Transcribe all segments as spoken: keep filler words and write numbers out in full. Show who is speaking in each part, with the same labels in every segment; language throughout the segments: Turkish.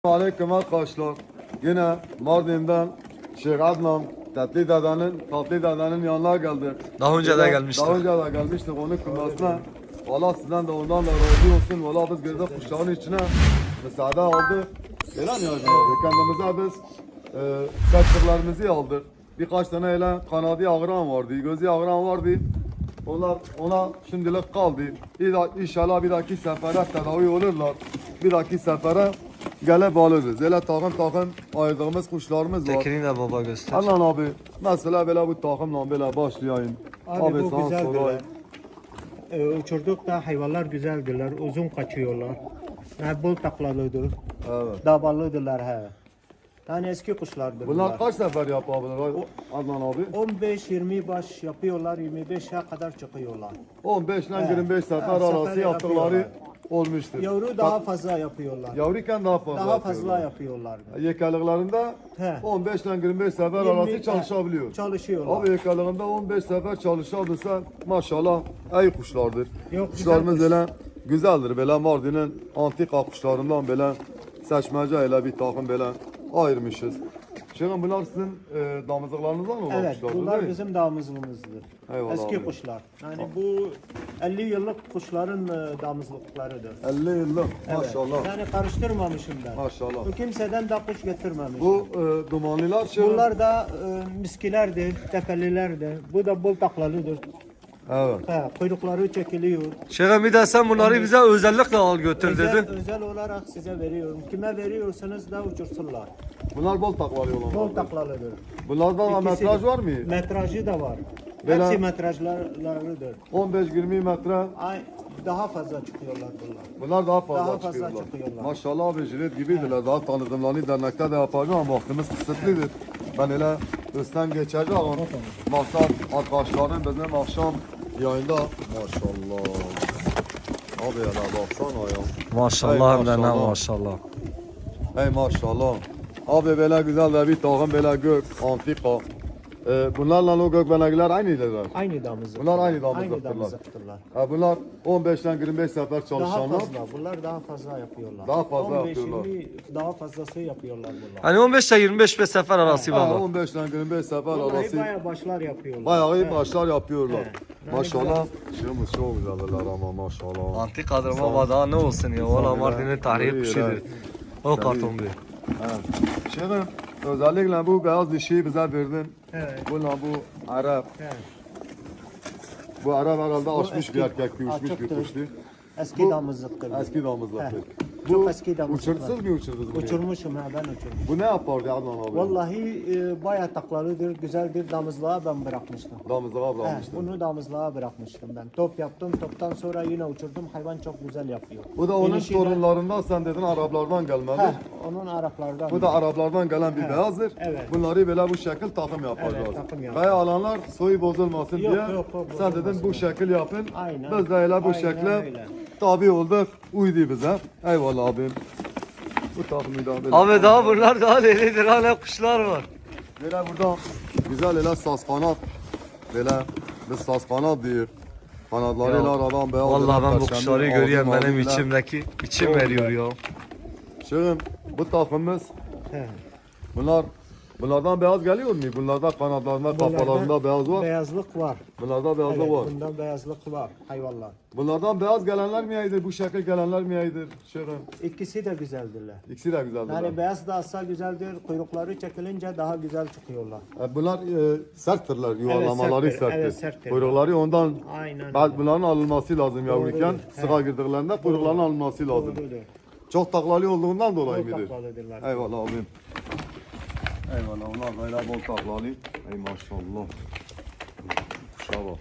Speaker 1: Aleyküm arkadaşlar. Yine Mardin'den Şeyh Adnan Tatlı Dada'nın Tatlı Dada'nın yanına geldik.
Speaker 2: Daha önce de gelmiştik.
Speaker 1: Daha önce de gelmiştik onun kırmasına. Valla sizden de ondan da razı olsun. Valla biz girdik kuşların içine. Müsaade aldık. Öyle mi Hacı abi? Kendimize biz e, sektörlerimizi aldık. Birkaç tane öyle kanadı ağıran vardı, gözü ağıran vardı. Onlar ona şimdilik kaldı. İnşallah bir dahaki sefere tedavi olurlar. Bir dahaki sefere gelip alırız. Öyle takım takım ayırdığımız kuşlarımız var.
Speaker 2: Tekini de baba göster.
Speaker 1: Allah'ın abi mesela böyle bu takımla böyle başlayayım.
Speaker 3: Abi, bu
Speaker 1: sana
Speaker 3: güzeldir.
Speaker 1: sorayım.
Speaker 3: Ee, uçurduk da hayvanlar güzeldirler, uzun kaçıyorlar. Yani bol taklalıdır,
Speaker 1: Evet.
Speaker 3: daballıdırlar he. Yani eski kuşlardır
Speaker 1: Bunlar
Speaker 3: bunlar.
Speaker 1: kaç sefer yapabilir Adnan abi?
Speaker 3: on beş yirmi baş yapıyorlar, yirmi beşe kadar çıkıyorlar.
Speaker 1: on beş ile
Speaker 3: Evet.
Speaker 1: yirmi beş sefer
Speaker 3: Evet,
Speaker 1: arası
Speaker 3: sefer
Speaker 1: yaptıkları
Speaker 3: yapıyorlar.
Speaker 1: olmuştur.
Speaker 3: Yavru daha fazla yapıyorlar.
Speaker 1: Yavruyken daha fazla
Speaker 3: Daha fazla
Speaker 1: yapıyorlar.
Speaker 3: yapıyorlardı.
Speaker 1: Yekalıklarında
Speaker 3: He.
Speaker 1: on beş ile yirmi beş sefer
Speaker 3: yirmi
Speaker 1: arası çalışabiliyor.
Speaker 3: Çalışıyorlar.
Speaker 1: Abi yakalığında on beş sefer çalışabilirse maşallah iyi kuşlardır.
Speaker 3: Yok,
Speaker 1: Kuşlarımız
Speaker 3: güzel kuş.
Speaker 1: böyle güzeldir. Böyle Mardin'in antika kuşlarından böyle seçmece ile bir takım böyle ayırmışız. Şimdi bunlar sizin e, damızlıklarınızdan olan
Speaker 3: Evet,
Speaker 1: kuşlardır
Speaker 3: bunlar
Speaker 1: değil mi?
Speaker 3: bizim damızlığımızdır.
Speaker 1: Eyvallah
Speaker 3: Eski
Speaker 1: abi.
Speaker 3: kuşlar. Yani bu elli yıllık kuşların e, damızlıklarıdır.
Speaker 1: elli yıllık
Speaker 3: Evet.
Speaker 1: maşallah.
Speaker 3: Yani karıştırmamışım ben.
Speaker 1: Maşallah.
Speaker 3: Bu kimseden de kuş getirmemiş.
Speaker 1: Bu e, dumanlılar şey.
Speaker 3: Bunlar da e, miskilerdir, tepelilerdir. Bu da bol taklalıdır.
Speaker 1: Evet.
Speaker 3: He, kuyrukları çekiliyor.
Speaker 2: Şeyh'im bir de sen bunları bize özellikle al götür
Speaker 3: Özel,
Speaker 2: dedi.
Speaker 3: özel olarak size veriyorum. Kime veriyorsanız da uçursunlar.
Speaker 1: Bunlar bol taklalı olan.
Speaker 3: Bol taklalıdır.
Speaker 1: Bunlarda da
Speaker 3: İkisi
Speaker 1: metraj
Speaker 3: de.
Speaker 1: var mı?
Speaker 3: Metrajı da var.
Speaker 1: Böyle-
Speaker 3: Hepsi metrajlarıdır.
Speaker 1: on beş yirmi metre.
Speaker 3: Ay, daha fazla çıkıyorlar bunlar.
Speaker 1: Bunlar daha fazla
Speaker 3: Daha fazla
Speaker 1: çıkıyorlar.
Speaker 3: çıkıyorlar.
Speaker 1: Maşallah abi jilet gibidirler. Daha tanıdımlarını dernekte de yapacağım ama vaktimiz kısıtlıdır. Ben öyle üstten geçeceğim ama maksat arkadaşlarım bizim akşam yayında maşallah. Abi ya baksana ya.
Speaker 2: Maşallah hem de ne
Speaker 1: maşallah.
Speaker 2: maşallah.
Speaker 1: Hey maşallah. Abi böyle güzel de bir takım böyle gök, antika. Ee, bunlarla o gök benekler aynıdırlar.
Speaker 3: Aynı damızlık.
Speaker 1: Bunlar aynı
Speaker 3: Aynı
Speaker 1: damızlıktırlar.
Speaker 3: damızlıktırlar.
Speaker 1: Ha, bunlar on beşten yirmi beş sefer
Speaker 3: Daha
Speaker 1: çalışanlar.
Speaker 3: fazla. Bunlar daha fazla yapıyorlar.
Speaker 1: Daha fazla
Speaker 3: on beş,
Speaker 1: yapıyorlar.
Speaker 3: yirmi daha fazlası yapıyorlar bunlar.
Speaker 2: Hani on beş ile yirmi beş sefer arası
Speaker 1: Ha,
Speaker 2: baba.
Speaker 1: on beşten yirmi beş sefer
Speaker 3: Vallahi
Speaker 1: arası
Speaker 3: bayağı başlar yapıyorlar.
Speaker 1: bayağı iyi
Speaker 3: He.
Speaker 1: başlar yapıyorlar.
Speaker 3: He. Yani
Speaker 1: Maşallah. Şuyumuz çok güzeller ama maşallah.
Speaker 2: Antik adamı baba daha ne olsun ya. Valla
Speaker 1: Sağ ol.
Speaker 2: Mardin'in tarihi
Speaker 1: Buyur,
Speaker 2: kuşudur.
Speaker 1: evet.
Speaker 2: O karton bir.
Speaker 1: Evet. Şimdi özellikle bu beyaz dişiyi bize verdin.
Speaker 3: Evet.
Speaker 1: Bununla bu Arap.
Speaker 3: He.
Speaker 1: Bu Arap herhalde açmış
Speaker 3: eski-
Speaker 1: bir erkek, bir uçmuş bir
Speaker 3: açıktır.
Speaker 1: kuştu.
Speaker 3: Eski
Speaker 1: Bu
Speaker 3: damızlıktır.
Speaker 1: Eski damızlıktır.
Speaker 3: He.
Speaker 1: Bu
Speaker 3: Çok eski damızlıklar.
Speaker 1: uçursuz mu uçurdunuz bunu?
Speaker 3: Uçurmuşum ha ben uçurmuşum.
Speaker 1: Bu ne yapardı Adnan abi?
Speaker 3: Vallahi e, bayağı taklalıdır, güzeldir. Damızlığa ben bırakmıştım.
Speaker 1: Damızlığa
Speaker 3: He,
Speaker 1: bırakmıştı.
Speaker 3: bunu damızlığa bırakmıştım ben. Top yaptım, toptan sonra yine uçurdum. Hayvan çok güzel yapıyor.
Speaker 1: Bu da onun
Speaker 3: İnişi de-
Speaker 1: torunlarından sen dedin Araplardan gelmeli.
Speaker 3: He, onun Araplardan.
Speaker 1: Bu da Araplardan gelen bir beyazdır.
Speaker 3: evet.
Speaker 1: Bunları böyle bu şekil takım yapacağız.
Speaker 3: Evet, takım yapacağız.
Speaker 1: Kaya alanlar soyu bozulmasın
Speaker 3: Yok,
Speaker 1: diye
Speaker 3: yok, yok,
Speaker 1: sen dedin
Speaker 3: bozulmasın.
Speaker 1: bu şekil yapın.
Speaker 3: Aynen.
Speaker 1: Biz de öyle bu
Speaker 3: Aynen
Speaker 1: şekle
Speaker 3: öyle.
Speaker 1: tabi olduk. Uydu bize. Eyvallah abim. Bu takımı da böyle.
Speaker 2: Abi daha bunlar daha delidir. Hala kuşlar var.
Speaker 1: Böyle burada güzel öyle saz kanat. Böyle biz saz kanat diyor. Kanatlarıyla
Speaker 2: Ya,
Speaker 1: aradan beyaz.
Speaker 2: Vallahi ben bu
Speaker 1: perşembe,
Speaker 2: kuşları
Speaker 1: ağzı
Speaker 2: görüyorum benim
Speaker 1: mavililer.
Speaker 2: içimdeki içim
Speaker 1: Çok
Speaker 2: veriyor
Speaker 1: güzel.
Speaker 2: ya.
Speaker 1: Şirin bu takımımız
Speaker 3: He.
Speaker 1: bunlar bunlardan beyaz geliyor mu? Bunlarda kanatlarında kafalarında beyaz var.
Speaker 3: Beyazlık var.
Speaker 1: Bunlarda beyazlık
Speaker 3: Evet,
Speaker 1: var.
Speaker 3: bundan beyazlık var hayvanlar.
Speaker 1: Bunlardan beyaz gelenler mi iyidir? Bu şekil gelenler mi iyidir? Şirin.
Speaker 3: İkisi de güzeldirler.
Speaker 1: İkisi de güzeldir.
Speaker 3: Yani beyaz da asla güzeldir. Kuyrukları çekilince daha güzel çıkıyorlar.
Speaker 1: E, bunlar e, serttirler, yuvarlamaları
Speaker 3: serttir,
Speaker 1: serttir.
Speaker 3: evet, serttir.
Speaker 1: Kuyrukları ondan
Speaker 3: Aynen.
Speaker 1: bazı bunların alınması lazım yavruyken.
Speaker 3: He.
Speaker 1: Sığa girdiklerinde kuyrukların alınması lazım.
Speaker 3: Doğrudur.
Speaker 1: Çok taklalı olduğundan dolayı
Speaker 3: Bol
Speaker 1: mıdır?
Speaker 3: taklalıdırlar.
Speaker 1: Eyvallah abim. Eyvallah onlar böyle bol taklalı. Ey maşallah. Kuşa bak.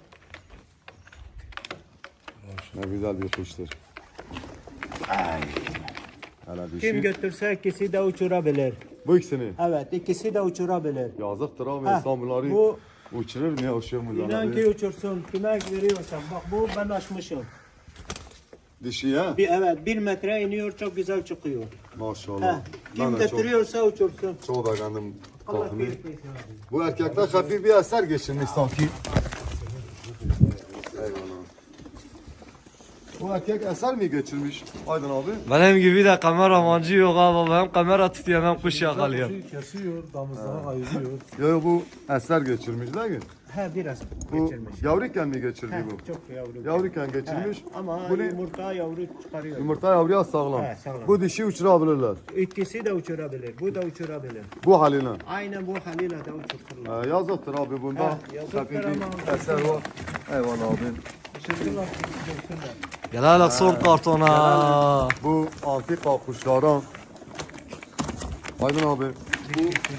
Speaker 1: Ne güzel bir kuştur. Ay. Hele dişi.
Speaker 3: Kim götürse ikisi de uçurabilir.
Speaker 1: Bu ikisini.
Speaker 3: Evet, ikisi de uçurabilir.
Speaker 1: Yazıktır abi
Speaker 3: Heh,
Speaker 1: insan bunları
Speaker 3: bu-
Speaker 1: uçurur mu ya uçuyor mu?
Speaker 3: İnan ki uçursun. Kime veriyorsan. Bak bu ben açmışım.
Speaker 1: Dişi ya.
Speaker 3: Bir, evet bir metre iniyor çok güzel çıkıyor.
Speaker 1: Maşallah.
Speaker 3: Heh,
Speaker 1: Ben
Speaker 3: kim
Speaker 1: de çok,
Speaker 3: götürüyorsa uçursun.
Speaker 1: çok beğendim
Speaker 3: Allah
Speaker 1: takımı.
Speaker 3: keyif versin.
Speaker 1: Bu erkekler hafif bir eser geçirmiş sanki. Eyvallah. Bu erkek eser mi geçirmiş Aydın abi?
Speaker 2: Benim gibi de kameramancı yok abi. Ben kamera tutuyorum, ben kuş yakalıyorum.
Speaker 4: Kuşu kesiyor, damızlığa ayırıyor.
Speaker 1: Yo yo bu eser geçirmiş değil mi?
Speaker 3: He biraz
Speaker 1: Bu
Speaker 3: geçirmiş.
Speaker 1: yavruyken mi geçirdi
Speaker 3: He,
Speaker 1: bu?
Speaker 3: çok yavru.
Speaker 1: Yavruyken geçirmiş.
Speaker 3: He, ama
Speaker 1: Bunu
Speaker 3: yumurta yavru çıkarıyor.
Speaker 1: yumurta yavruya sağlam.
Speaker 3: He, sağlam.
Speaker 1: Bu dişi uçurabilirler.
Speaker 3: İkisi de uçurabilir. Bu da uçurabilir.
Speaker 1: Bu haline.
Speaker 3: Aynen bu haliyle de uçursunlar.
Speaker 1: Ee, yazıktır abi bunda.
Speaker 3: He, yazıktır
Speaker 1: Tabii bir
Speaker 3: ama-
Speaker 1: eser var. Eyvallah abi.
Speaker 3: Uçursunlar, uçursunlar.
Speaker 2: Gel hele son kartona.
Speaker 1: Bu antika kuşlara. Aydın abi. Bu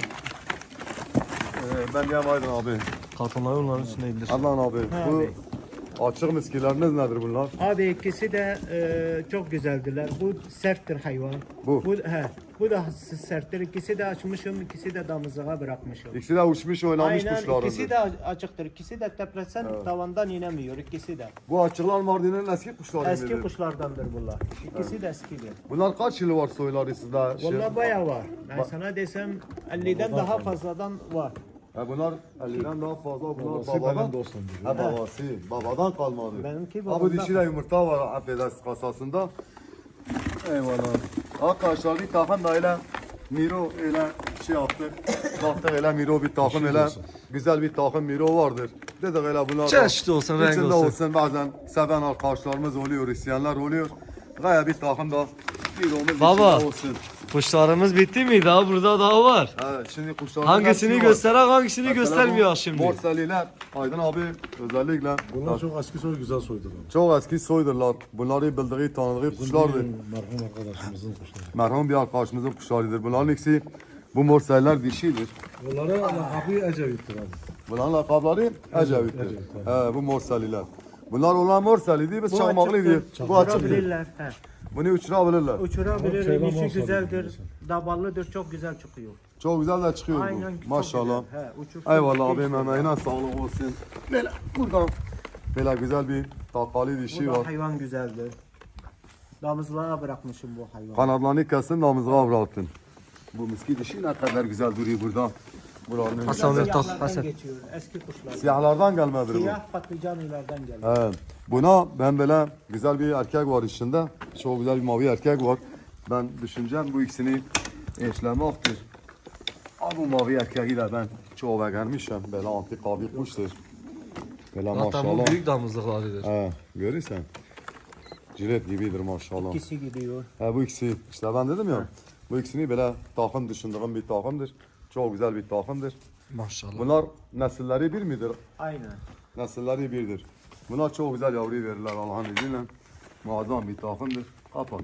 Speaker 1: ee, ben diyeyim Aydın abi.
Speaker 2: Kartonları onların üstüne indir.
Speaker 1: Adnan abi.
Speaker 3: Ha
Speaker 1: Bu
Speaker 3: abi.
Speaker 1: açık miskileriniz nedir bunlar?
Speaker 3: Abi ikisi de e, çok güzeldiler. Bu serttir hayvan.
Speaker 1: Bu?
Speaker 3: Bu, he, bu da serttir. İkisi de açmışım, ikisi de damızlığa bırakmışım.
Speaker 1: İkisi de uçmuş oynamış
Speaker 3: Aynen
Speaker 1: kuşlarındır.
Speaker 3: ikisi de açıktır. İkisi de tepresen tavandan inemiyor. İkisi de.
Speaker 1: Bu açıklar Mardin'in eski kuşları
Speaker 3: Eski
Speaker 1: mıdır?
Speaker 3: kuşlardandır bunlar. İkisi de eskidir.
Speaker 1: Bunlar kaç yılı var soyları sizde? Şey-
Speaker 3: Vallahi bayağı var. Ben sana desem elliden daha fazladan var.
Speaker 1: Ha, bunlar elliden daha fazla. Bunlar
Speaker 4: Babası
Speaker 1: babadan.
Speaker 4: benim dostum diyor.
Speaker 1: Ha babası. Babadan kalmadı.
Speaker 3: Benimki
Speaker 1: Ha bu
Speaker 3: babadan.
Speaker 1: dişi de yumurta var affedersin kasasında. Eyvallah. Arkadaşlar bir takım da öyle Miro öyle şey yaptık. Baktık öyle Miro bir takım öyle güzel bir takım Miro vardır. Dedik öyle bunlar da
Speaker 2: Çeşitli olsun, renk
Speaker 1: içinde
Speaker 2: olsun.
Speaker 1: olsun. Bazen seven arkadaşlarımız oluyor, isteyenler oluyor. Gaya bir takım da Miro'muz
Speaker 2: Baba.
Speaker 1: içinde olsun.
Speaker 2: Kuşlarımız bitti mi? Daha burada daha var.
Speaker 1: Evet şimdi kuşların
Speaker 2: Hangisini
Speaker 1: hepsi var.
Speaker 2: gösterek hangisini
Speaker 1: Mesela bu
Speaker 2: göstermiyor şimdi.
Speaker 1: Morseliler Aydın abi özellikle
Speaker 4: Bunlar çok eski soy güzel soydular.
Speaker 1: çok eski soydurlar. Bunları bildiği tanıdığı kuşlardır.
Speaker 4: Bizim merhum arkadaşımızın kuşları.
Speaker 1: Merhum bir arkadaşımızın kuşlarıdır. Bunların ikisi bu morseller dişidir.
Speaker 4: Bunlara lakabı Ecevit'tir abi.
Speaker 1: Bunların lakapları Ecevit'tir.
Speaker 4: Ecevit,
Speaker 1: He, bu morseliler. Bunlar olan morseli değil, biz
Speaker 3: Bu
Speaker 1: çakmaklı
Speaker 3: açıktır.
Speaker 1: diyor. Bu açıktır.
Speaker 3: Uçurabilirler. He.
Speaker 1: Bunu uçurabilirler.
Speaker 3: Uçurabilir.
Speaker 4: Şeyler
Speaker 3: İşi
Speaker 4: olsa
Speaker 3: güzeldir.
Speaker 4: mesela.
Speaker 3: Daballıdır. Çok güzel çıkıyor.
Speaker 1: Çok güzel de çıkıyor
Speaker 3: Aynen.
Speaker 1: bu.
Speaker 3: çok
Speaker 1: Maşallah.
Speaker 3: güzel. He, uçursun.
Speaker 1: Eyvallah abi
Speaker 3: Hiç-
Speaker 1: emeğine sağlık olsun. Böyle buradan böyle güzel bir takali
Speaker 3: Bu
Speaker 1: dişi
Speaker 3: da
Speaker 1: var.
Speaker 3: hayvan güzeldir. Damızlığa bırakmışım bu hayvanı.
Speaker 1: Kanatlarını kesin damızlığa bıraktın. Bu miski dişi ne kadar güzel duruyor burada. Buranın
Speaker 2: Hasan Bey, tak,
Speaker 3: Siyahlardan
Speaker 2: Hasan.
Speaker 3: geçiyor. Eski kuşlar.
Speaker 1: siyahlardan gelmedir bu.
Speaker 3: Siyah patlıcan ilerden geliyor.
Speaker 1: He. Buna ben böyle güzel bir erkek var içinde. Çok güzel bir mavi erkek var. Ben düşüneceğim bu ikisini eşlemektir. Abi bu mavi erkeği de ben çok beğenmişim. Böyle antika bir kuştur. Böyle
Speaker 2: Zaten bu
Speaker 1: maşallah.
Speaker 2: büyük damızlıklarıdır.
Speaker 1: He, görürsen. Cilet gibidir maşallah.
Speaker 3: İkisi gidiyor.
Speaker 1: He, bu ikisi işte ben dedim ya. Bu ikisini böyle takım düşündüğüm bir takımdır. Çok güzel bir takımdır.
Speaker 2: Maşallah.
Speaker 1: Bunlar nesilleri bir midir?
Speaker 3: Aynen.
Speaker 1: Nesilleri birdir. Bunlar çok güzel yavru verirler Allah'ın izniyle. Muazzam bir takımdır. Kapat.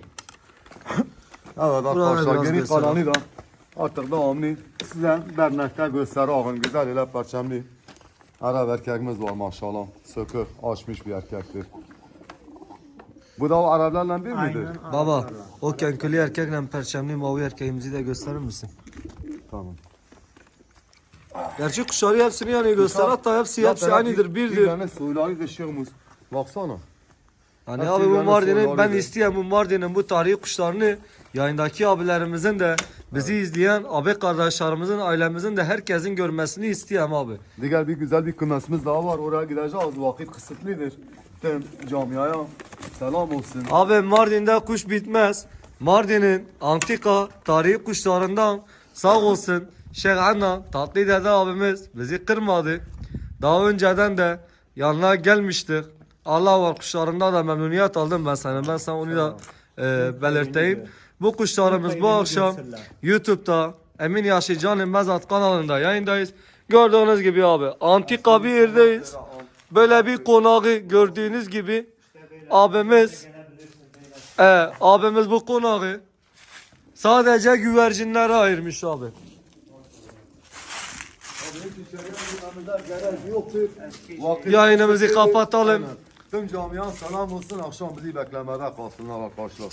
Speaker 1: Evet arkadaşlar
Speaker 2: biraz
Speaker 1: geri
Speaker 2: göster.
Speaker 1: kalanı da artık devamlı size dernekte göstereyim. Güzel ile perçemli. Arap erkeğimiz var maşallah. Sökür açmış bir erkektir. Bu da o Araplarla bir midir?
Speaker 3: Aynen.
Speaker 2: Baba
Speaker 3: Araplarla.
Speaker 2: o kenkülü erkekle perçemli mavi erkeğimizi de gösterir misin?
Speaker 1: Tamam.
Speaker 2: Gerçi kuşları hepsini yani göster hatta hepsi hepsi
Speaker 1: Zaten
Speaker 2: aynıdır
Speaker 1: Bir
Speaker 2: birdir.
Speaker 1: tane soyları dışıyormuş. Baksana.
Speaker 2: Hani
Speaker 1: hepsi
Speaker 2: abi bu
Speaker 1: birbirine
Speaker 2: Mardin'in ben
Speaker 1: sorularıydı.
Speaker 2: isteyen bu Mardin'in bu tarihi kuşlarını yayındaki abilerimizin de bizi izleyen abi kardeşlerimizin ailemizin de herkesin görmesini isteyen abi.
Speaker 1: Diğer bir güzel bir kümesimiz daha var. Oraya gideceğiz. Vakit kısıtlıdır. Tüm camiaya selam olsun.
Speaker 2: Abi Mardin'de kuş bitmez. Mardin'in antika tarihi kuşlarından sağ olsun Şeyh Anna Tatlı Dede abimiz bizi kırmadı. Daha önceden de yanına gelmiştik. Allah var kuşlarından da memnuniyet aldım ben sana. Ben sana onu da e, belirteyim. Bu kuşlarımız bu
Speaker 3: Faydını
Speaker 2: akşam
Speaker 3: görsünler. YouTube'da
Speaker 2: Emin Yaşıcan'ın Mezat kanalında yayındayız. Gördüğünüz gibi abi antika bir yerdeyiz. Böyle bir konağı gördüğünüz gibi abimiz e, abimiz bu konağı sadece güvercinlere ayırmış abi. Yayınımızı kapatalım.
Speaker 1: Tüm camiye selam olsun. Akşam bizi beklemede kalsınlar arkadaşlar.